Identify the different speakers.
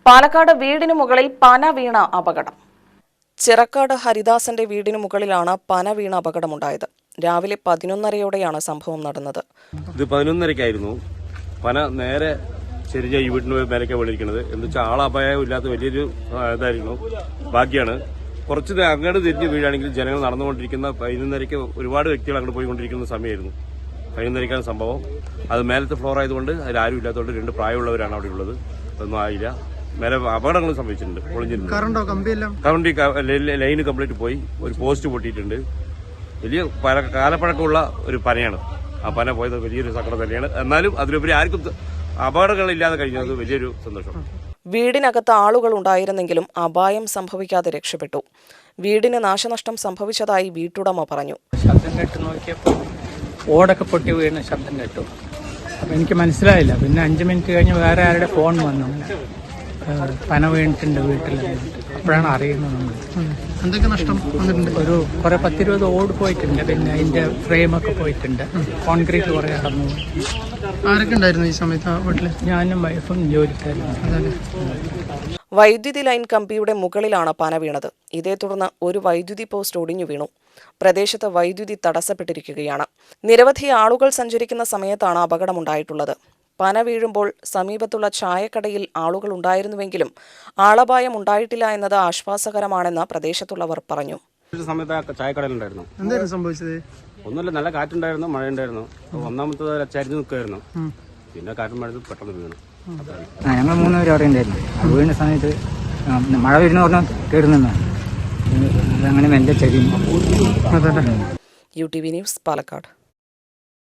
Speaker 1: പാലക്കാട് വീടിനു മുകളിൽ പന വീണ അപകടം. ചിറക്കാട് ഹരിദാസന്റെ വീടിനു മുകളിലാണ് പന വീണ അപകടമുണ്ടായത്. രാവിലെ 11:30യോടെയാണ് സംഭവം നടന്നത്.
Speaker 2: ഇത് 11:30ക്കായിരുന്നു. പന നേരെ ചെറിയ ഈ വീടിന് മേലേക്കാണ് വീണിരിക്കുന്നത്. എന്ന് വെച്ചാൽ ആളപായം ഇല്ലാത്ത വലിയൊരു ഇതായിരുന്നു. ഭാഗ്യമാണ്. കുറച്ച് അങ്ങോട്ട് തിരിഞ്ഞ് വീഴാണെങ്കിൽ ജനങ്ങൾ നടന്നുകൊണ്ടിരിക്കുന്ന 11:30ക്ക് ഒരുപാട് വ്യക്തികൾ അങ്ങോട്ട് പോയിക്കൊണ്ടിരിക്കുന്ന സമയമായിരുന്നു. 11:30ക്കാണ് സംഭവം. അത് മേലത്തെ ഫ്ലോർ ആയതുകൊണ്ട് അതിലാരും ഇല്ലാത്തതുകൊണ്ട് 2 പ്രായമുള്ളവരാണ് അവിടെ ഉള്ളത്. ഒന്നും ആയില്ല. മേലെ അപകടങ്ങൾ സംഭവിച്ചിട്ടുണ്ട്. പൊളിഞ്ഞിട്ടുണ്ട്. കറണ്ട് ലൈന് കംപ്ലീറ്റ് പോയി. ഒരു പോസ്റ്റ് പൊട്ടിയിട്ടുണ്ട്. വലിയ കാലപ്പഴക്കമുള്ള ഒരു പനയാണ്. ആ പന പോയത് വലിയൊരു സങ്കടം തന്നെയാണ്. എന്നാലും അതിലുപരി ആർക്കും അപകടങ്ങളില്ലാതെ കഴിഞ്ഞത് വലിയൊരു സന്തോഷം.
Speaker 1: വീടിനകത്ത് ആളുകൾ ഉണ്ടായിരുന്നെങ്കിലും അപായം സംഭവിക്കാതെ രക്ഷപ്പെട്ടു. വീടിന് നാശനഷ്ടം സംഭവിച്ചതായി വീട്ടുടമ പറഞ്ഞു.
Speaker 3: ശബ്ദം കേട്ട് നോക്കിയപ്പോൾ ഓടൊക്കെ പൊട്ടി വീണ ശബ്ദം കേട്ടു. അപ്പം എനിക്ക് മനസ്സിലായില്ല. പിന്നെ 5 മിനിറ്റ് കഴിഞ്ഞ് വേറെ ആരുടെ ഫോൺ വന്നു. പന വീണിട്ടുണ്ട് വീട്ടിൽ. അപ്പോഴാണ് അറിയുന്നത് നമ്മൾ.
Speaker 4: എന്തൊക്കെ നഷ്ടം വന്നിട്ടുണ്ട്?
Speaker 3: ഒരു കുറെ 10-20 ഓട് പോയിട്ടുണ്ട്. പിന്നെ അതിന്റെ ഫ്രെയിമൊക്കെ പോയിട്ടുണ്ട്. കോൺക്രീറ്റ് കുറെ അടന്നു.
Speaker 4: ആരൊക്കെ ഉണ്ടായിരുന്നു ഈ സമയത്ത് വീട്ടില്?
Speaker 3: ഞാനും വൈഫും ജോലിക്കാരും.
Speaker 1: വൈദ്യുതി ലൈൻ കമ്പിയുടെ മുകളിലാണ് പന വീണത്. ഇതേ തുടർന്ന് ഒരു വൈദ്യുതി പോസ്റ്റ് ഒടിഞ്ഞു വീണു. പ്രദേശത്ത് വൈദ്യുതി തടസ്സപ്പെട്ടിരിക്കുകയാണ്. നിരവധി ആളുകൾ സഞ്ചരിക്കുന്ന സമയത്താണ് അപകടമുണ്ടായിട്ടുള്ളത്. പന വീഴുമ്പോൾ സമീപത്തുള്ള ചായക്കടയിൽ ആളുകൾ ഉണ്ടായിരുന്നുവെങ്കിലും ആളപായം ഉണ്ടായിട്ടില്ല എന്നത് ആശ്വാസകരമാണെന്ന് പ്രദേശത്തുള്ളവർ പറഞ്ഞു.
Speaker 2: സമയത്ത് ചായക്കടയിലുണ്ടായിരുന്നു.
Speaker 4: എന്തായിരുന്നു സംഭവിച്ചത്?
Speaker 2: ഒന്നുമില്ല, നല്ല കാറ്റുണ്ടായിരുന്നു, മഴയുണ്ടായിരുന്നു. ഒന്നാമത്തെ ചരിഞ്ഞു നിൽക്കുമായിരുന്നു. പിന്നെ കാറ്റും മഴ പെട്ടെന്ന് വീണു.
Speaker 3: ഞങ്ങൾ 3 പേരും അവിടെ ഉണ്ടായിരുന്നു. വീണ സമയത്ത് മഴ വരുന്ന പറഞ്ഞാൽ കയറുന്ന അങ്ങനെ മെല്ലെ ചരിഞ്ഞു.
Speaker 1: UTV news, Palakkad.